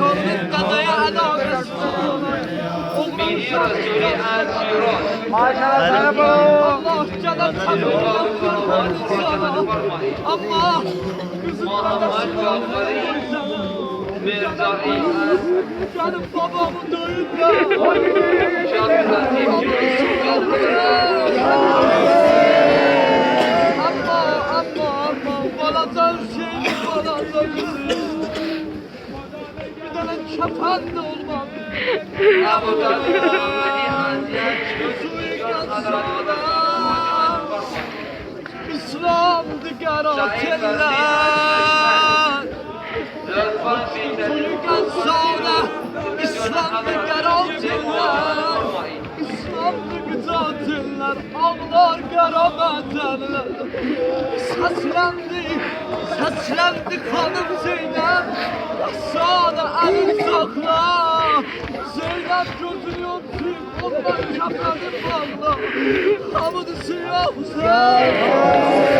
Sorunun dadaya alakası Bihi Resulü Erzurum. Allah canım çabuklar Allah Muhammed Caffari Mirzai canım babamı duyunca Amma balacan şey balacan bir tane çapan da olmam Abu Dhabi Muhammedi Aziyat İslam digaratiller Suikan sağda İslam digaratiller İslam digaratiller Ağlar karameteller Seslendi hanım Zeynep Sağda elin sakla Zeynep gözünü öptüm ondan kapadım valla Hamıdı siyah sen